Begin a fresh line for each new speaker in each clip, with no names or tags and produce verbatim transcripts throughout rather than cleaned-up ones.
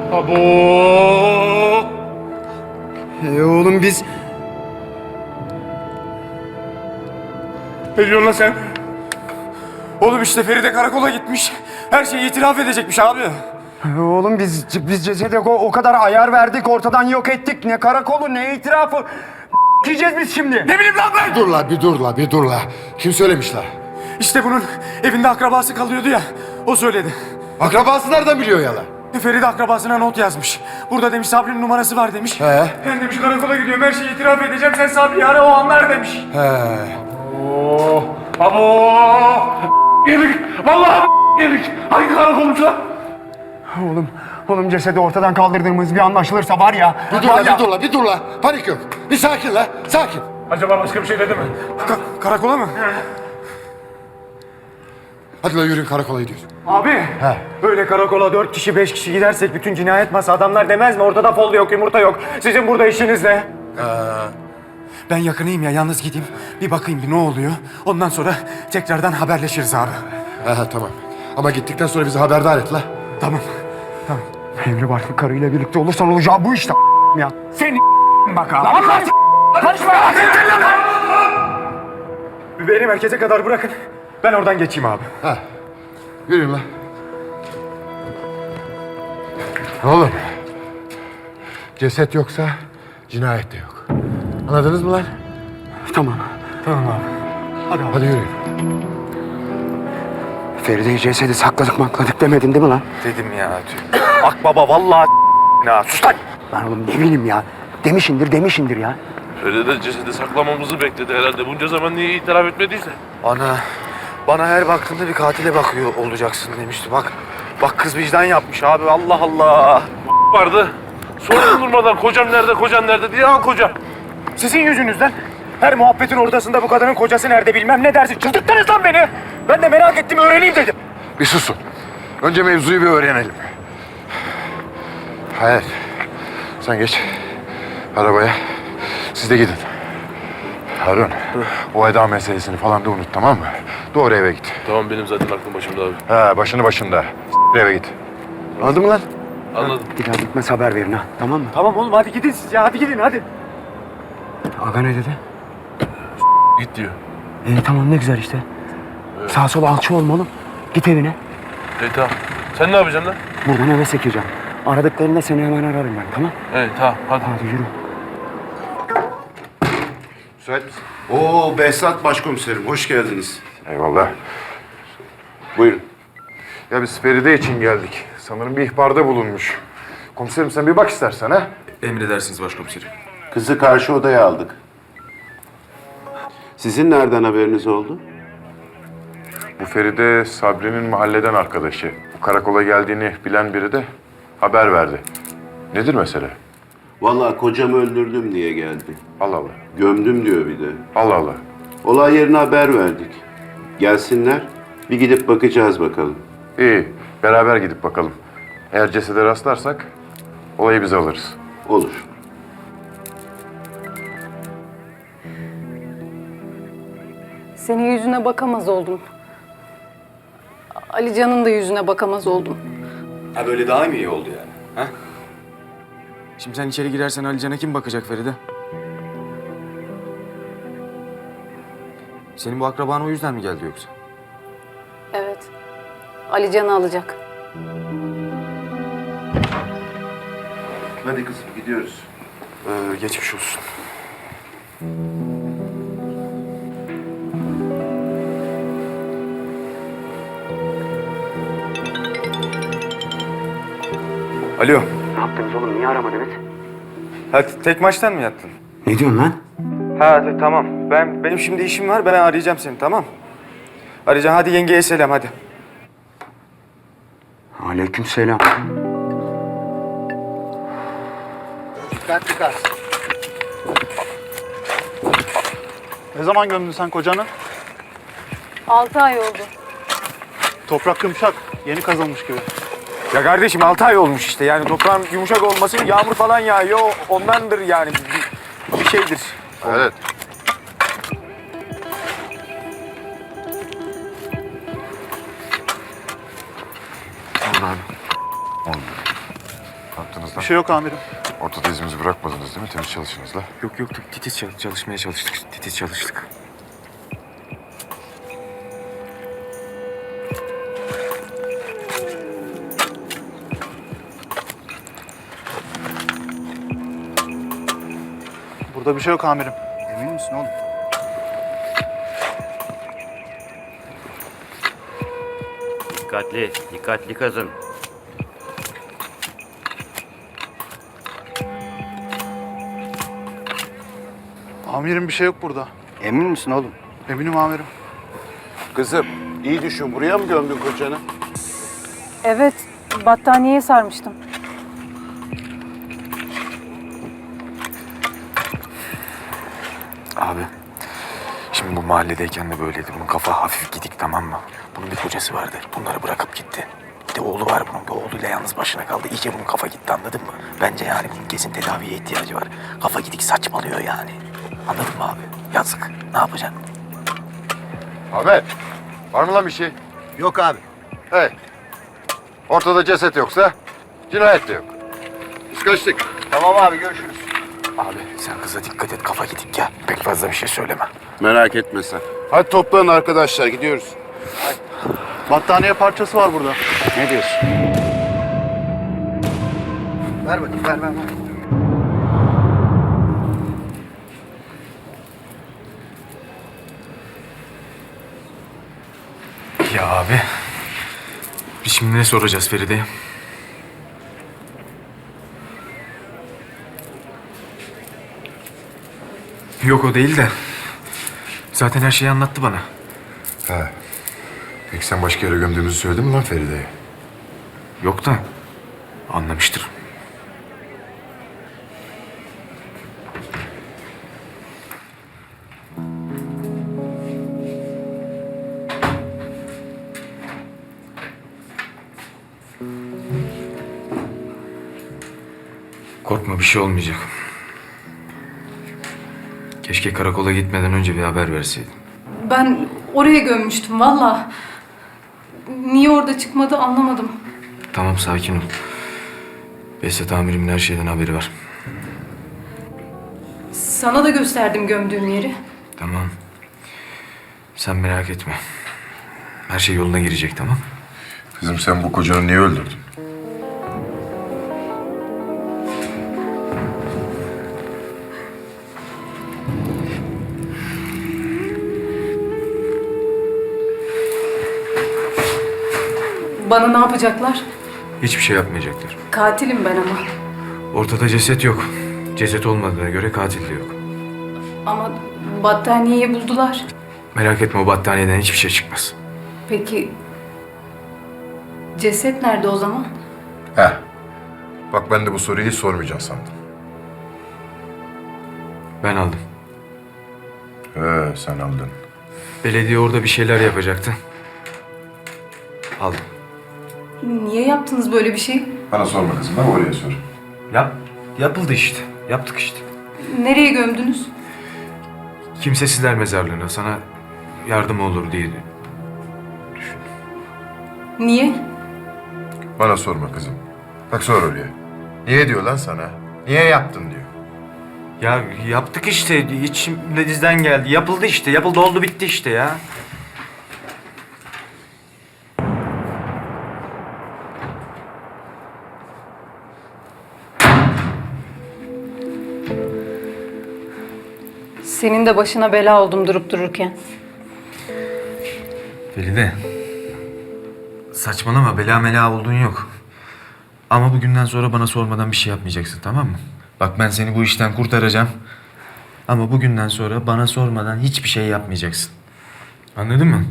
Abo!
E oğlum biz...
Ne diyorsun lan sen? Oğlum işte Feride karakola gitmiş. Her şeyi itiraf edecekmiş abi.
E oğlum biz biz cesede o, o kadar ayar verdik, ortadan yok ettik. Ne karakolu, ne itirafı. Yiyeceğiz biz şimdi.
Ne bileyim lan ben?
Dur la bir dur la bir dur la. Kim söylemiş la?
İşte bunun evinde akrabası kalıyordu ya. O söyledi.
Akrabası nereden biliyor ya la?
Feride akrabasına not yazmış. Burada demiş Sabri'nin numarası var demiş.
He.
Ben demiş karakola gidiyorum, her şeyi itiraf edeceğim. Sen Sabri'yi ara, o anlar demiş.
He.
Oo, abo! Yedik. Vallahi yedik. Hangi karakolmuş lan?
Oğlum, oğlum cesedi ortadan kaldırdığımız bir anlaşılırsa var ya...
Bir dur
var
la
ya-
bir dur la bir dur la. Panik yok. Bir sakin la sakin.
Acaba başka bir şey dedi mi? Ka- karakola mı?
Hadi la yürüyün karakola gidiyoruz.
Abi,
He.
böyle karakola dört kişi, beş kişi gidersek bütün cinayet masa adamlar demez mi? Ortada fol yok, yumurta yok. Sizin burada işiniz ne?
Ben yakınıyım ya, yalnız gideyim. Bir bakayım bir ne oluyor. Ondan sonra tekrardan haberleşiriz abi.
He he tamam. Ama gittikten sonra bizi haberdar et la.
Tamam.
Evli barklı karıyla birlikte olursan olacağı bu işte ya. Seni bak abi.
Allah karışma! Beni merkeze kadar bırakın. Ben oradan geçeyim abi.
Ha. Yürüyün la. Oğlum. Ceset yoksa cinayet de yok. Anladınız mı lan?
Tamam.
Tamam abi.
Hadi abi.
Hadi yürüyün.
Feride'yi cesedi sakladık makladık demedin değil mi lan?
Dedim ya. Akbaba vallahi ya. Sus lan!
Ben oğlum ne bileyim ya. Demişindir demişindir ya.
Feride cesedi saklamamızı bekledi herhalde. Bunca zaman niye itiraf etmediyse.
Ana, bana her baktığında bir katile bakıyor olacaksın demişti. Bak, bak kız vicdan yapmış abi. Allah Allah.
Vardı. Sonra durmadan kocam nerede, kocam nerede diye al kocam.
Sizin yüzünüzden her muhabbetin ortasında bu kadının kocası nerede bilmem ne dersin. Çıldırttınız lan beni. Ben de merak ettim, öğreneyim dedim.
Bir susun. Önce mevzuyu bir öğrenelim. Hayır. Sen geç. Arabaya. Siz de gidin. Harun, o Eda meselesini falan da unut tamam mı? Doğru eve git.
Tamam benim zaten aklım başımda abi.
He, başını başında. S- eve git. Anladın mı lan?
Anladım.
Bir daha gitmez haber verin ha. Tamam mı?
Tamam oğlum, hadi gidin siz ya, hadi gidin hadi.
Aga ne dedi?
Git diyor.
İyi tamam ne güzel işte. Sağ sol alçı olmalı. Git evine.
E tamam. Sen ne yapacaksın lan?
Buradan eve sekeceğim. Aradıklarında seni hemen ararım ben tamam?
Evet tamam hadi.
Hadi yürü.
Müsait misin?
Oo Behzat Başkomiserim, hoş geldiniz.
Eyvallah.
Buyurun.
Ya biz Feride için geldik. Sanırım bir ihbarda bulunmuş. Komiserim sen bir bak istersen ha.
Emredersiniz başkomiserim. Kızı karşı odaya aldık. Sizin nereden haberiniz oldu?
Bu Feride Sabri'nin mahalleden arkadaşı. Bu karakola geldiğini bilen biri de haber verdi. Nedir mesele?
Vallahi kocamı öldürdüm diye geldi.
Allah Allah.
Gömdüm diyor bir de.
Allah Allah.
Olay yerine haber verdik. Gelsinler, bir gidip bakacağız bakalım.
İyi. Beraber gidip bakalım. Eğer cesede rastlarsak olayı biz alırız.
Olur.
Senin yüzüne bakamaz oldum. Alican'ın da yüzüne bakamaz oldum.
Ha böyle daha mı iyi oldu yani? Ha?
Şimdi sen içeri girersen Alican'a kim bakacak Feride? Senin bu akraban o yüzden mi geldi yoksa?
Evet. Alican'ı alacak.
Hadi kızım, gidiyoruz.
Ee, geçmiş olsun. Alo.
Ne yaptınız oğlum? Niye aramadınız?
Ha, tek maçtan mı yattın?
Ne diyorsun lan?
Ha tamam. Ben benim şimdi işim var. Ben arayacağım seni, tamam? Arayacağım. Hadi yengeye selam hadi.
Aleykümselam.
Dikkat dikkat. Ne zaman gömdün sen kocanı?
Altı ay oldu.
Toprak yumuşak, yeni kazılmış gibi.
Ya kardeşim altı ay olmuş işte. Yani toprağın yumuşak olması, yağmur falan yağıyor. Ondandır yani. Bir, bir şeydir.
Evet.
Allah'ım.
Ne yaptınız
Bir
lan?
şey yok amirim.
Ortada izimizi bırakmadınız değil mi? Temiz çalışınız la.
Yok yok titiz çal- çalışmaya çalıştık. Titiz çalıştık.
Burada bir şey yok amirim.
Emin misin oğlum?
Dikkatli, dikkatli kazın.
Amirim bir şey yok burada.
Emin misin oğlum?
Eminim amirim.
Kızım iyi düşün, buraya mı gömdün kocanı?
Evet, battaniyeye sarmıştım.
Abi, şimdi bu mahalledeyken de böyleydi. Bunun kafa hafif gidik, tamam mı? Bunun bir kocası vardı. Bunları bırakıp gitti. Bir de oğlu var bunun. Bir oğluyla yalnız başına kaldı. İyice bunun kafa gitti, anladın mı? Bence yani bunun kesin tedaviye ihtiyacı var. Kafa gidik saçmalıyor yani. Anladın mı abi? Yazık. Ne yapacaksın?
Ahmet, var mı lan bir şey?
Yok abi.
Hey, ortada ceset yoksa cinayet de yok. Biz kaçtık.
Tamam abi görüşürüz.
Abi sen kıza dikkat et. Kafa gidik ya. Pek fazla bir şey söyleme.
Merak etme sen. Hadi toplanın arkadaşlar, gidiyoruz.
Battaniye parçası var burada.
Ne diyorsun? Ver bakayım ver ver ver.
Ya abi. Biz şimdi ne soracağız Feride'ye? Yok o değil de. Zaten her şeyi anlattı bana.
He. Peki sen başka yere gömdüğümüzü söyledin mi lan Feride'ye?
Yok da anlamıştır. Korkma bir şey olmayacak. Keşke karakola gitmeden önce bir haber verseydin.
Ben oraya gömmüştüm valla. Niye orada çıkmadı anlamadım.
Tamam sakin ol. Behzat amirimin her şeyden haberi var.
Sana da gösterdim gömdüğüm yeri.
Tamam. Sen merak etme. Her şey yoluna girecek, tamam?
Kızım sen bu kocanı niye öldürdün?
Bana ne yapacaklar?
Hiçbir şey yapmayacaklar.
Katilim ben ama.
Ortada ceset yok. Ceset olmadığına göre katil de yok.
Ama battaniyeyi buldular.
Merak etme, o battaniyeden hiçbir şey çıkmaz.
Peki ceset nerede o zaman?
He. Bak ben de bu soruyu hiç sormayacağım sandım.
Ben aldım.
He sen aldın.
Belediye orada bir şeyler yapacaktı. Aldım.
Niye yaptınız böyle bir şey?
Bana sorma kızım, bana oraya sor.
Yap. Yapıldı işte. Yaptık işte.
Nereye gömdünüz?
Kimsesizler mezarlığına sana yardım olur diye.
Niye?
Bana sorma kızım. Bak sor oraya. Niye diyor lan sana? Niye yaptın diyor.
Ya yaptık işte. İçimizden geldi. Yapıldı işte. Yapıldı oldu bitti işte ya.
Senin de başına bela oldum durup dururken.
Feride. Saçmalama, bela mela olduğun yok. Ama bugünden sonra bana sormadan bir şey yapmayacaksın, tamam mı? Bak ben seni bu işten kurtaracağım. Ama bugünden sonra bana sormadan hiçbir şey yapmayacaksın. Anladın mı?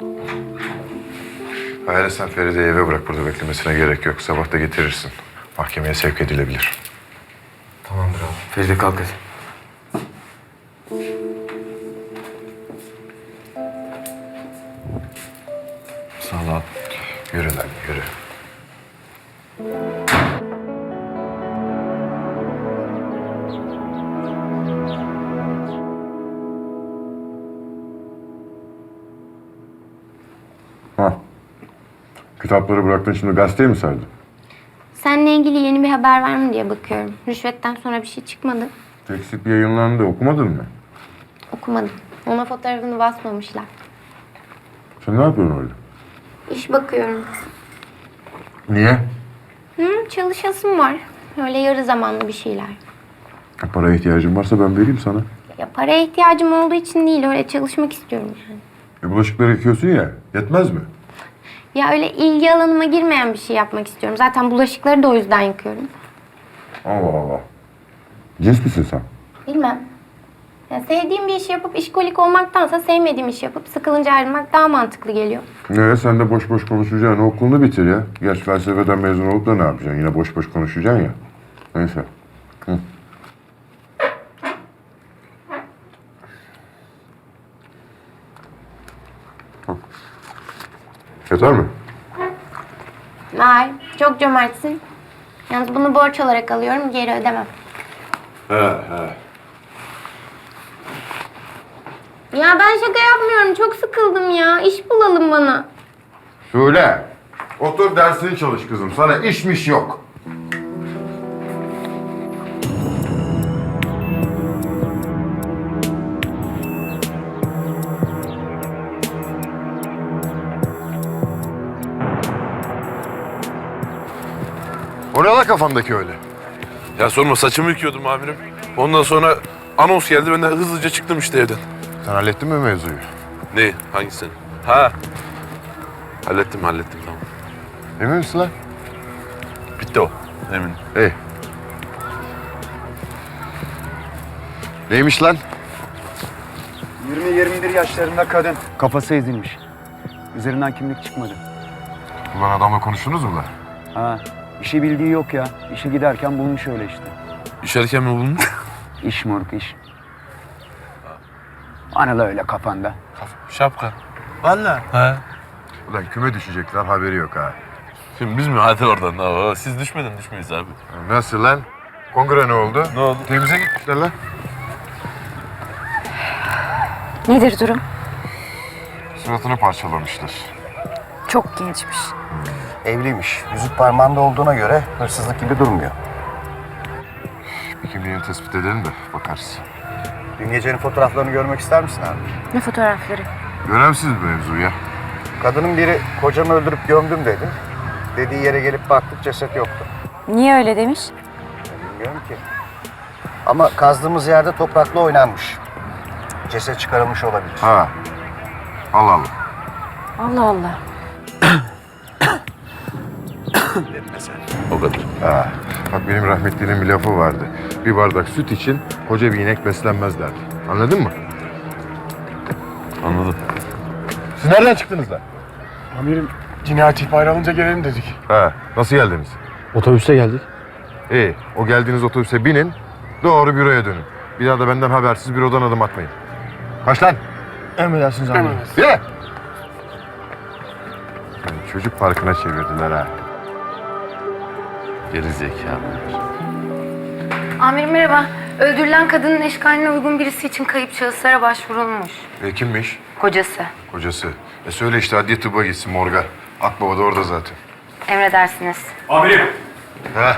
Hayır sen Feride'yi eve bırak, burada beklemesine gerek yok. Sabah da getirirsin. Mahkemeye sevk edilebilir.
Tamamdır abi. Feride kalk hadi. Sağ ol abi.
Yürü lan yürü. Ha. Kitapları bıraktın, şimdi gazeteyi mi sardın?
Seninle ilgili yeni bir haber var mı diye bakıyorum. Rüşvetten sonra bir şey çıkmadı.
Teksip yayınlandı. Okumadın mı?
Okumadım. Ona fotoğrafını basmamışlar.
Sen ne yapıyorsun orada?
İş bakıyorum.
Niye?
Hı, çalışasım var. Öyle yarı zamanlı bir şeyler.
Paraya ihtiyacın varsa ben vereyim sana.
Ya paraya ihtiyacım olduğu için değil, öyle çalışmak istiyorum yani.
E bulaşıkları yıkıyorsun ya, yetmez mi?
Ya öyle ilgi alanıma girmeyen bir şey yapmak istiyorum. Zaten bulaşıkları da o yüzden yıkıyorum.
Allah Allah. Cins misin sen?
Bilmem. Ya sevdiğim bir işi yapıp işkolik olmaktansa sevmediğim işi yapıp sıkılınca ayrılmak daha mantıklı geliyor.
Ne, sen de boş boş konuşacaksın. Okulunu bitir ya. Gerçi felsefeden mezun olup da ne yapacaksın? Yine boş boş konuşacaksın ya. Neyse. Hı. Hı. Yeter mi?
Vay, çok cömertsin. Yalnız bunu borç olarak alıyorum, geri ödemem.
He he.
Ya ben şaka yapmıyorum, çok sıkıldım ya. İş bulalım bana.
Şule, otur dersini çalış kızım. Sana işmiş yok. O ne la kafandaki öyle?
Ya sorma, saçımı yıkıyordum amirim. Ondan sonra anons geldi, ben de hızlıca çıktım işte evden.
Sen hallettin mi mevzuyu?
Ne? Hangisini? Ha. Hallettim hallettim tamam.
Emin misin lan?
Bitti o. Eminim.
İyi. Neymiş lan?
yirmi yirmi bir yaşlarında kadın. Kafası ezilmiş. Üzerinden kimlik çıkmadı.
Ulan adamla konuştunuz mu lan?
Ha, işi bildiği yok ya. İşe giderken bulmuş öyle işte.
İşerken mi bulunmuş?
İş moruk iş. Anıl öyle kafanda.
Şapka. Vallahi. He.
Ulan küme düşecekler haberi yok ha.
Şimdi biz mi? Hadi oradan. Aa, siz düşmeden düşmeyiz abi.
Nasıl lan? Kongre ne oldu?
Ne oldu?
Temize gitmişler lan.
Nedir durum?
Suratını parçalamışlar.
Çok gençmiş.
Evliymiş. Yüzük parmağında olduğuna göre hırsızlık gibi durmuyor.
Bir kimliğini tespit edelim de bakarız.
Dün gecenin fotoğraflarını görmek ister misin abi?
Ne fotoğrafları?
Önemsiz bir mevzu ya.
Kadının biri kocamı öldürüp gömdüm dedi. Dediği yere gelip baktık ceset yoktu.
Niye öyle demiş?
Bilmiyorum ki. Ama kazdığımız yerde toprakla oynanmış. Ceset çıkarılmış olabilir.
Ha. Allah Allah.
Allah Allah.
O kadar.
Ha. Bak benim rahmetlinin bir lafı vardı. Bir bardak süt için koca bir inek beslenmez derdi. Anladın mı?
Anladım.
Siz nereden çıktınız lan?
Amirim cinayet ihbarı alınca gelelim dedik.
Ha. Nasıl geldiniz?
Otobüste geldik.
İyi. O geldiğiniz otobüse binin. Doğru büroya dönün. Bir daha da benden habersiz bürodan adım atmayın. Kaç lan?
Emredersiniz amirim.
Yürü! Yani çocuk parkına çevirdiler ha.
Geri zekalı.
Amirim merhaba. Öldürülen kadının eşkaline uygun birisi için kayıp şahıslara başvurulmuş.
E kimmiş?
Kocası.
Kocası. E söyle işte adliye tıbba gitsin morga. Akbaba da orada zaten.
Emredersiniz.
Amirim.
He.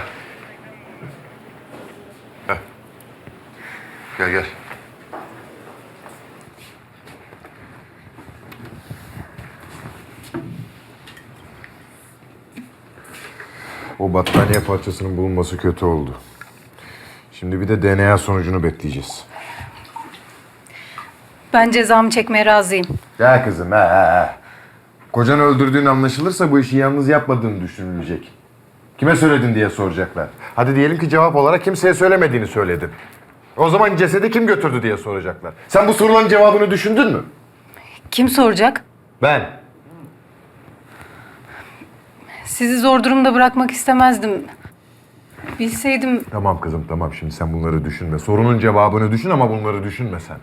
He. Gel gel. O battaniye parçasının bulunması kötü oldu. Şimdi bir de D N A sonucunu bekleyeceğiz.
Ben cezamı çekmeye razıyım.
Gel kızım he he he. Kocanı öldürdüğün anlaşılırsa bu işi yalnız yapmadığını düşünülecek. Kime söyledin diye soracaklar. Hadi diyelim ki cevap olarak kimseye söylemediğini söyledin. O zaman cesedi kim götürdü diye soracaklar. Sen bu soruların cevabını düşündün mü?
Kim soracak?
Ben.
Sizi zor durumda bırakmak istemezdim. Bilseydim
Tamam kızım tamam şimdi sen bunları düşünme. Sorunun cevabını düşün ama bunları düşünme sen.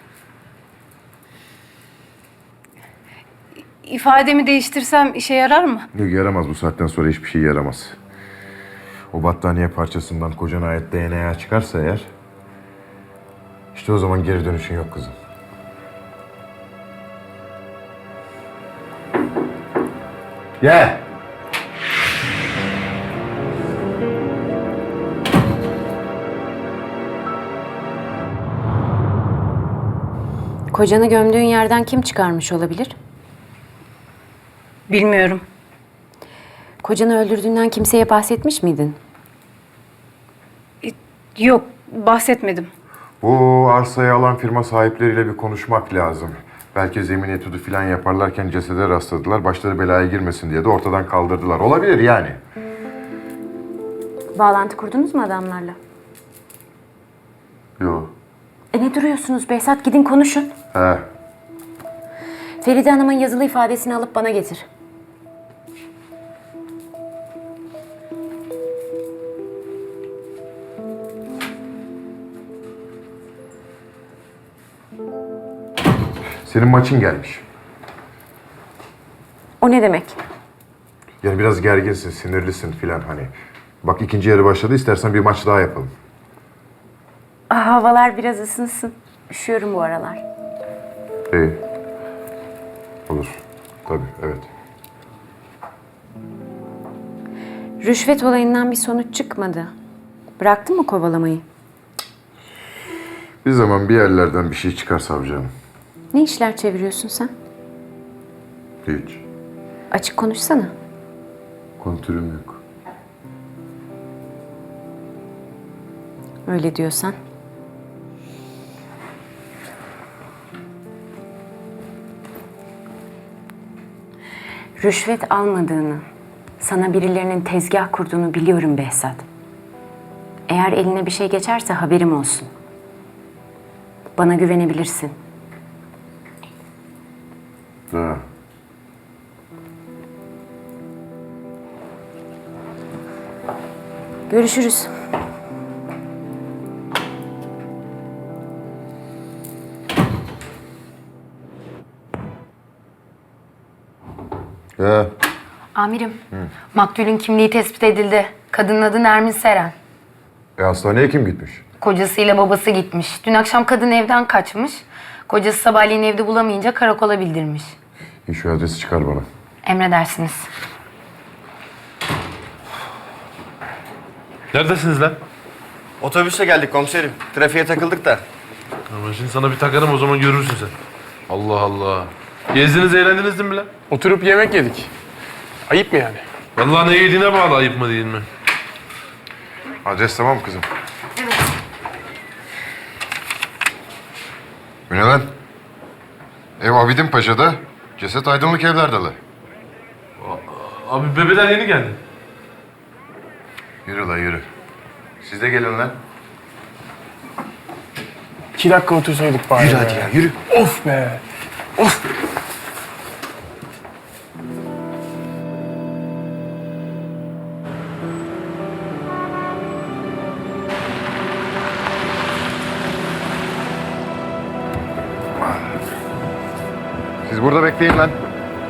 ifademi değiştirsem işe yarar mı?
Yok yaramaz bu saatten sonra hiçbir şey yaramaz. O battaniye parçasından kocana ait D N A çıkarsa eğer... işte o zaman geri dönüşün yok kızım. Gel.
Kocanı gömdüğün yerden kim çıkarmış olabilir?
Bilmiyorum.
Kocanı öldürdüğünden kimseye bahsetmiş miydin?
Yok, bahsetmedim.
Bu arsayı alan firma sahipleriyle bir konuşmak lazım. Belki zemin etüdü falan yaparlarken cesede rastladılar. Başları belaya girmesin diye de ortadan kaldırdılar. Olabilir yani.
Bağlantı kurdunuz mu adamlarla?
Yok.
E ne duruyorsunuz Behzat? Gidin konuşun.
He.
Feride Hanım'ın yazılı ifadesini alıp bana getir.
Senin maçın gelmiş.
O ne demek?
Yani biraz gerginsin, sinirlisin filan hani. Bak ikinci yarı başladı. İstersen bir maç daha yapalım.
Ah, havalar biraz ısınsın. Üşüyorum bu aralar.
İyi. Olur. Tabii, evet.
Rüşvet olayından bir sonuç çıkmadı. Bıraktın mı kovalamayı?
Bir zaman bir yerlerden bir şey çıkar savcım.
Ne işler çeviriyorsun sen?
Hiç.
Açık konuşsana.
Kontürüm yok.
Öyle diyorsan. Rüşvet almadığını, sana birilerinin tezgah kurduğunu biliyorum Behzat. Eğer eline bir şey geçerse haberim olsun. Bana güvenebilirsin.
Ha.
Görüşürüz.
Ya.
Amirim, maktulün kimliği tespit edildi. Kadının adı Nermin Seren.
E hastaneye kim gitmiş?
Kocasıyla babası gitmiş. Dün akşam kadın evden kaçmış. Kocası sabahleyin evde bulamayınca karakola bildirmiş.
İyi, şu adresi çıkar bana.
Emredersiniz.
Neredesiniz lan?
Otobüse geldik komiserim. Trafiğe takıldık da.
Ama şimdi sana bir takarım, o zaman görürsün sen. Allah Allah. Gezdiniz, eğlendiniz mi lan?
Oturup yemek yedik. Ayıp mı yani?
Vallahi ne yediğine bağlı, ayıp mı değil mi?
Adres tamam mı kızım? Bu ne lan? Ev Abidin Paşa'da, ceset Aydınlık Evler'dalı.
Abi bebeler yeni geldi.
Yürü la yürü. Siz de gelin lan.
İki dakika otursaydık bari.
Yürü hadi ya yürü.
Of be. Of.
Siz burada bekleyin lan.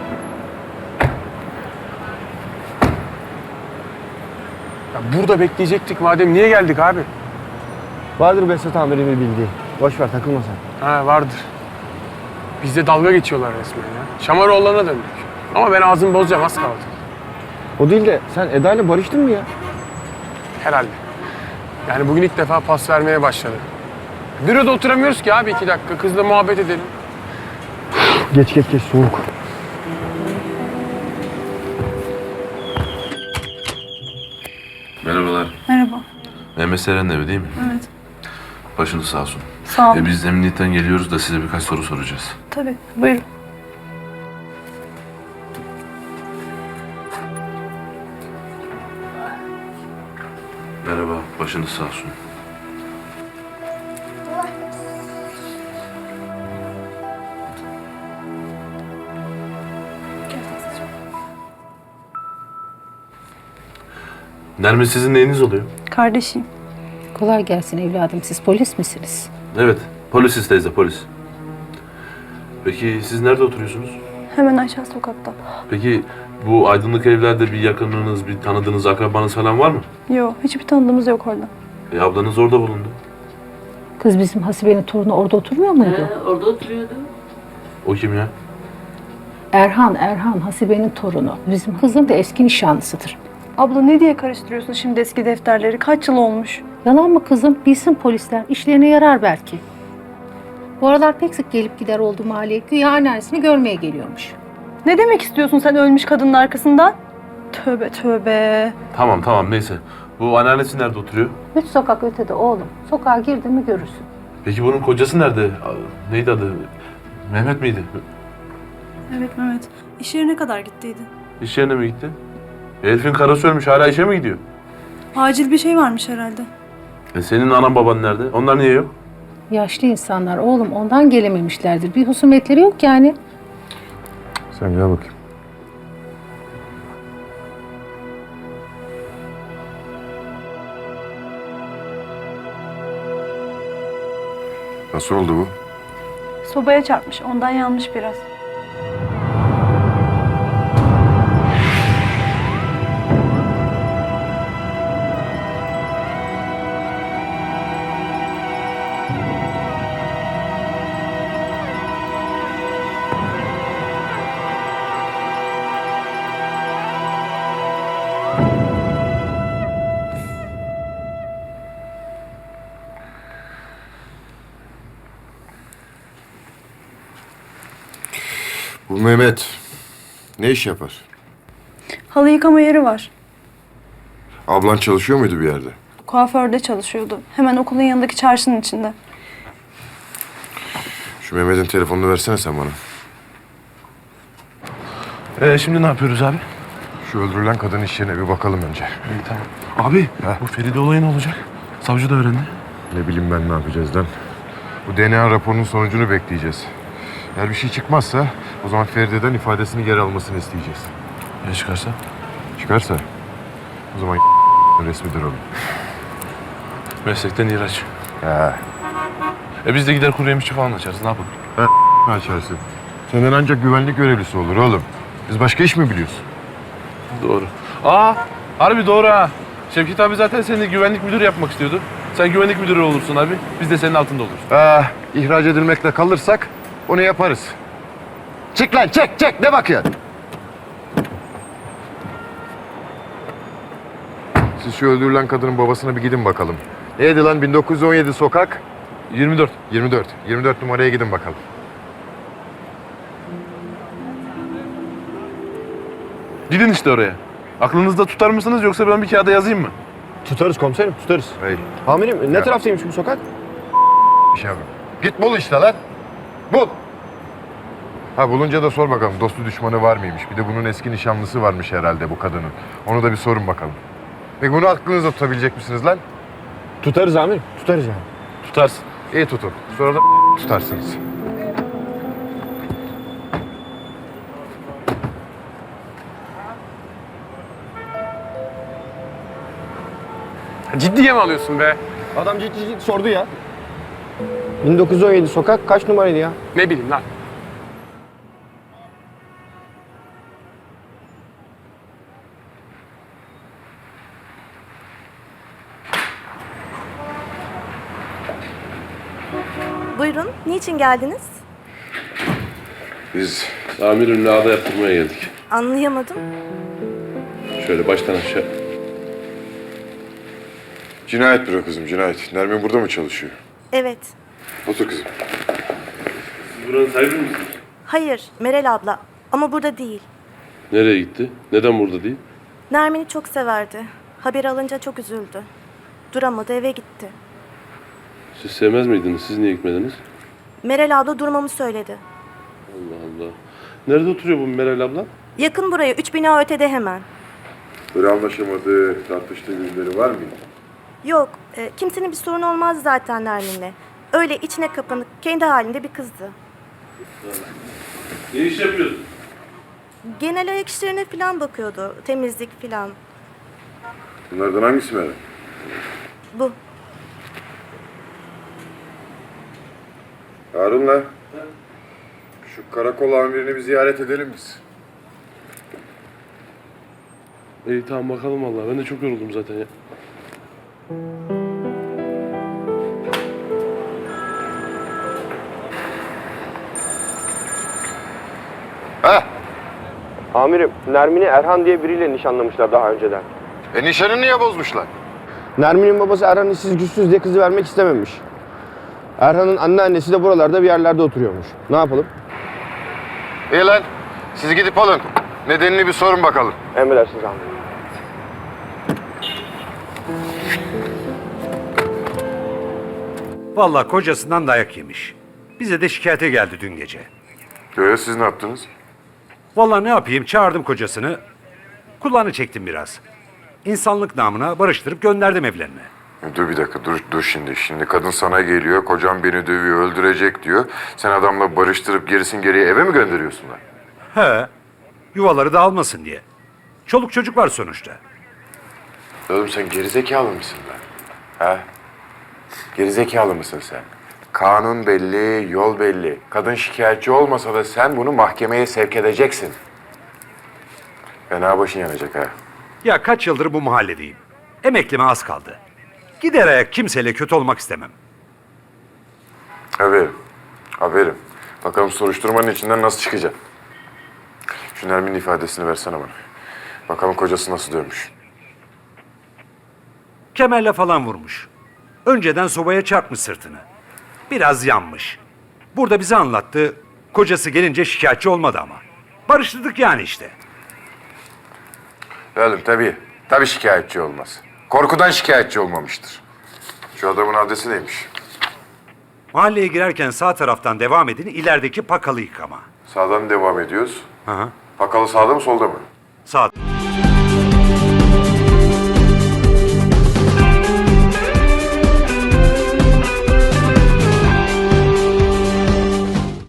Ya burada bekleyecektik madem, niye geldik abi?
Vardır Behzat amirimin bildiği. Boş ver takılma sen.
Ha vardır. Bizde dalga geçiyorlar resmen ya. Şamaroğullarına döndük. Ama ben ağzımı bozacağım, az kaldı.
O değil de sen Eda ile barıştın mı ya?
Herhalde. Yani bugün ilk defa pas vermeye başladı. Büroda oturamıyoruz ki abi iki dakika. Kızla muhabbet edelim.
Geç geç geç soğuk.
Merhabalar.
Merhaba.
Mehmet Seren'in evi değil mi?
Evet.
Başınız sağ olsun.
Sağ olun.
E, biz emniyetten geliyoruz da size birkaç soru soracağız.
Tabii, buyurun.
Merhaba, başınız sağ olsun. Nermin, sizin neyiniz oluyor?
Kardeşim.
Kolay gelsin evladım. Siz polis misiniz?
Evet, polisiz teyze, polis. Peki siz nerede oturuyorsunuz?
Hemen aşağı sokakta.
Peki bu aydınlık evlerde bir yakınınız, bir tanıdığınız, akrabanız falan var mı?
Yok, hiçbir tanıdığımız yok orada.
E ablanız orada bulundu.
Kız bizim Hasibe'nin torunu orada oturmuyor muydu?
Orada oturuyordu.
O kim ya?
Erhan, Erhan Hasibe'nin torunu. Bizim kızın da eski nişanlısıdır.
Abla ne diye karıştırıyorsun şimdi eski defterleri? Kaç yıl olmuş?
Yalan mı kızım? Bilsin polisler. İşlerine yarar belki.
Bu aralar pek sık gelip gider oldu mahalleye. Güya anneannesini görmeye geliyormuş.
Ne demek istiyorsun sen ölmüş kadının arkasından? Tövbe tövbe.
Tamam tamam neyse. Bu anneannesi nerede oturuyor?
Üç sokak ötede oğlum. Sokağa girdin mi görürsün.
Peki bunun kocası nerede? A- Neydi adı? Mehmet miydi?
Evet Mehmet. İş yerine kadar gittiydi.
İş yerine mi gitti? Elif'in karısı ölmüş. Hala işe mi gidiyor?
Acil bir şey varmış herhalde.
E senin anan baban nerede? Onlar niye yok?
Yaşlı insanlar oğlum ondan gelememişlerdir. Bir husumetleri yok yani.
Sen gel bakayım. Nasıl oldu bu?
Sobaya çarpmış. Ondan yanmış biraz.
Bu Mehmet ne iş yapar?
Halı yıkama yeri var.
Ablan çalışıyor muydu bir yerde?
Kuaförde çalışıyordu. Hemen okulun yanındaki çarşının içinde.
Şu Mehmet'in telefonunu versene sen bana.
E şimdi ne yapıyoruz abi?
Şu öldürülen kadın iş yerine bir bakalım önce.
İyi tamam. Abi bu Feride olayı ne olacak? Savcı da öğrendi.
Ne bileyim ben ne yapacağız lan. Bu D N A raporunun sonucunu bekleyeceğiz. Eğer bir şey çıkmazsa o zaman Feride'den ifadesini geri almasını isteyeceğiz.
Ne çıkarsa?
Çıkarsa o zaman resmidir oğlum.
Meslekten ihraç.
He.
E biz de gider kuru yemişçi falan açarız. Ne yapalım?
Ne açarsın? Senden ancak güvenlik görevlisi olur oğlum. Biz başka iş mi biliyoruz?
Doğru. Aa harbi doğru ha. Şevket abi zaten seni güvenlik müdürü yapmak istiyordu. Sen güvenlik müdürü olursun abi. Biz de senin altında oluruz.
Ah, ihraç edilmekle kalırsak onu yaparız. Çık lan çek çek ne bakıyorsun? Siz şu öldürülen kadının babasına bir gidin bakalım. Neydi lan bin dokuz yüz on yedi sokak?
yirmi dört.
yirmi dört. yirmi dört numaraya gidin bakalım.
Gidin işte oraya. Aklınızda tutar mısınız yoksa ben bir kağıda yazayım mı?
Tutarız komiserim tutarız.
Hey.
Amirim ne
Ya.
taraftaymış bu sokak?
Bir şey yapayım. Git bul işte lan. Bul. Ha bulunca da sor bakalım dostu düşmanı var mıymış? Bir de bunun eski nişanlısı varmış herhalde bu kadının. Onu da bir sorun bakalım. Peki bunu aklınızda tutabilecek misiniz lan?
Tutarız amirim tutarız yani.
Tutarsın.
İyi tutun. Sonra da tutarsınız.
Ciddiye mi alıyorsun be?
Adam ciddi ciddi sordu ya. bin dokuz yüz on yedi sokak kaç numaraydı ya?
Ne bileyim lan.
Buyurun. Niçin geldiniz?
Biz
Amirimle ağda yaptırmaya geldik.
Anlayamadım.
Şöyle baştan aşağı.
cinayet büro kızım cinayet. Nermin burada mı çalışıyor?
Evet.
Otur kızım.
Siz buranın sahibi misiniz?
Hayır. Meral abla. Ama burada değil.
Nereye gitti? Neden burada değil?
Nermin'i çok severdi. Haber alınca çok üzüldü. Duramadı eve gitti.
Siz sevmez miydiniz? Siz niye gitmediniz?
Meral abla durmamı söyledi.
Allah Allah. Nerede oturuyor bu Meral abla?
Yakın buraya. Üç bina ötede hemen.
Böyle anlaşamadığı, tartıştığı birileri var mıydı?
Yok. e, kimsenin bir sorunu olmaz zaten Nermin'le. Öyle içine kapanık, kendi halinde bir kızdı.
Ne iş yapıyorsun?
Genel ayak işlerine falan bakıyordu. Temizlik falan.
Bunlardan hangisi Meral?
Bu.
Harun'la şu karakol amirini bir ziyaret edelim biz.
İyi tamam bakalım vallahi. Ben de çok yoruldum zaten ya.
Ha?
Amirim Nermin'i Erhan diye biriyle nişanlamışlar daha önceden.
E nişanı niye bozmuşlar?
Nermin'in babası Erhan işsiz güçsüz diye kızı vermek istememiş.
Erhan'ın anneannesi de buralarda bir yerlerde oturuyormuş. Ne yapalım?
İyi lan. Siz gidip alın. Nedenini bir sorun bakalım.
Emredersiniz amirim.
Vallahi kocasından dayak yemiş. Bize de şikayete geldi dün gece.
Öyle siz ne yaptınız?
Vallahi ne yapayım, çağırdım kocasını. Kulağını çektim biraz. İnsanlık namına barıştırıp gönderdim evlerine.
Dur bir dakika, dur, dur şimdi. Şimdi kadın sana geliyor, kocam beni dövüyor, öldürecek diyor. Sen adamla barıştırıp gerisin geriye eve mi gönderiyorsun lan?
He, yuvaları dağılmasın diye. Çoluk çocuk var sonuçta.
Oğlum sen gerizekalı mısın lan? Ha? Gerizekalı mısın sen? Kanun belli, yol belli. Kadın şikayetçi olmasa da sen bunu mahkemeye sevk edeceksin. Fena başın yanacak ha.
Ya kaç yıldır bu mahalledeyim. Emeklime az kaldı. Gider ayak kimseyle kötü olmak istemem.
Aferin. Aferin. Bakalım soruşturmanın içinden nasıl çıkacak. Şu Nermin'in ifadesini versene bana. Bakalım kocası nasıl dövmüş.
Kemerle falan vurmuş. Önceden sobaya çarpmış sırtını. Biraz yanmış. Burada bize anlattı. Kocası gelince şikayetçi olmadı ama. Barıştırdık yani işte.
Oğlum tabii. Tabii şikayetçi olmaz. Korkudan şikayetçi olmamıştır. Şu adamın adresi neymiş?
Mahalleye girerken sağ taraftan devam edin, ilerideki pakalı yıkama.
Sağdan devam ediyoruz.
Hı hı.
Pakalı sağda mı solda mı?
Sağ.